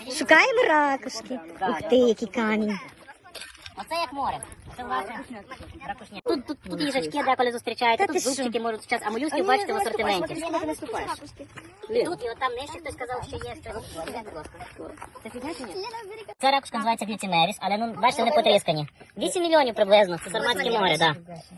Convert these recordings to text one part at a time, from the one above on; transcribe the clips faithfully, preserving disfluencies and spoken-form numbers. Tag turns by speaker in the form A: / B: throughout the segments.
A: Шукаємо ракушки. Ух ти, який камінь.
B: Оце як море. Це власне ракушня. Тут, тут, тут їжачки деколи зустрічаються, тут зубчики можуть час, а молюсків бачите в асортименті. І тут, і от там нижче хтось сказав, що є щось. Це фігня чи ні? Ця ракушка називається гліцинеріс, але ну, бачите, вони потріскані. вісім мільйонів приблизно, це Сарматське море, так.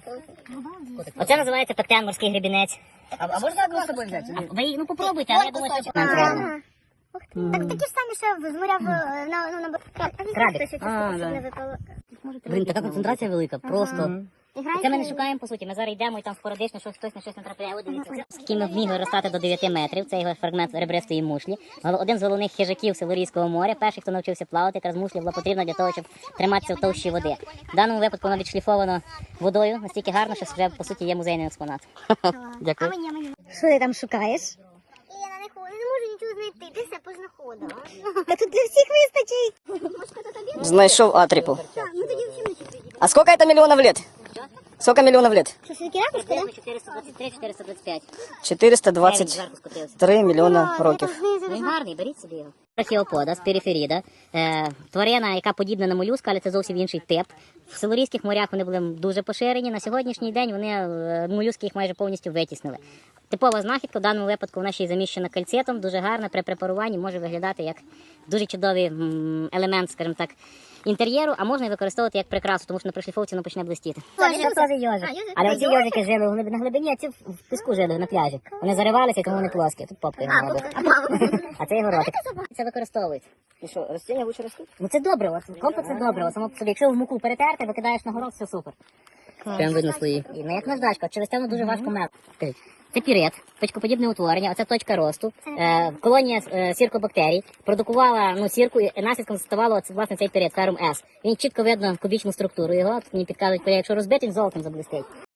B: Оце називається пектен, морський гребінець.
C: А можна одну з собою взяти?
B: Ви їх, ну попробуйте, але я думаю, що нам треба.
A: Так такі ж самі ще з моря в на ну на
B: Крабик.
A: А, не випало.
B: Блін, така концентрація велика, просто. Це ми не шукаємо, по суті, ми зараз йдемо і там спорадично щось, хтось на щось натрапляє. От дивіться. Скіми вміг ростати до дев'яти метрів, це його фрагмент ребристої мушлі. Один з головних хижаків Силурійського моря, перший, хто навчився плавати, якраз мушлі була потрібна для того, щоб триматися в товщі води. В даному випадку вона відшліфована водою настільки гарно, що вже, по суті, є музейний експонат. Дякую.
A: Що ти там шукаєш?
D: Я на них не можу нічого знайти, ти все познаходила.
A: Та тут для всіх вистачить.
C: Знайшов атріпу.
D: Ну тоді всім не чути.
C: А сколько это миллионов лет? Сколько миллионов лет?
A: Що, все-таки ракушка, да?
B: чотириста двадцять три - чотириста двадцять п'ять.
C: четыреста двадцать три мільйона років.
B: Ну, він гарний, беріть собі його. Трахеопода з периферіда. Е, тварина, яка подібна на молюска, але це зовсім інший тип. В Силурійських морях вони були дуже поширені. На сьогоднішній день вони е, молюски їх майже повністю витіснили. Типова знахідка, в даному випадку вона ще й заміщена кальцетом, дуже гарна, при препаруванні може виглядати як дуже чудовий м, елемент, скажімо так, інтер'єру, а можна і використовувати як прикрасу, тому що на пришліфовці воно почне блистіти. Це теж йожик. Але оці йожики жили в глиб- на глибині, а ці в в піску жили на пляжі. Вони заривалися, тому вони плоскі. Тут попка його робить. А це його ротик. Це використовують.
C: І що, ростіння лучше ростуть?
B: Ну це добре, от комплекс це добре. Само по собі, якщо в муку перетерти, викидаєш на город, все супер. Прям видно свої. І, ну як наждачка, через те воно дуже важко мел. Це пірет, точкоподібне утворення, оце точка росту. Е, колонія е, сіркобактерій продукувала ну, сірку, і наслідком ставало це, власне, цей пірет, ферум С. Він чітко видно кубічну структуру його, тут мені підказують, якщо розбити, він золотом заблистить.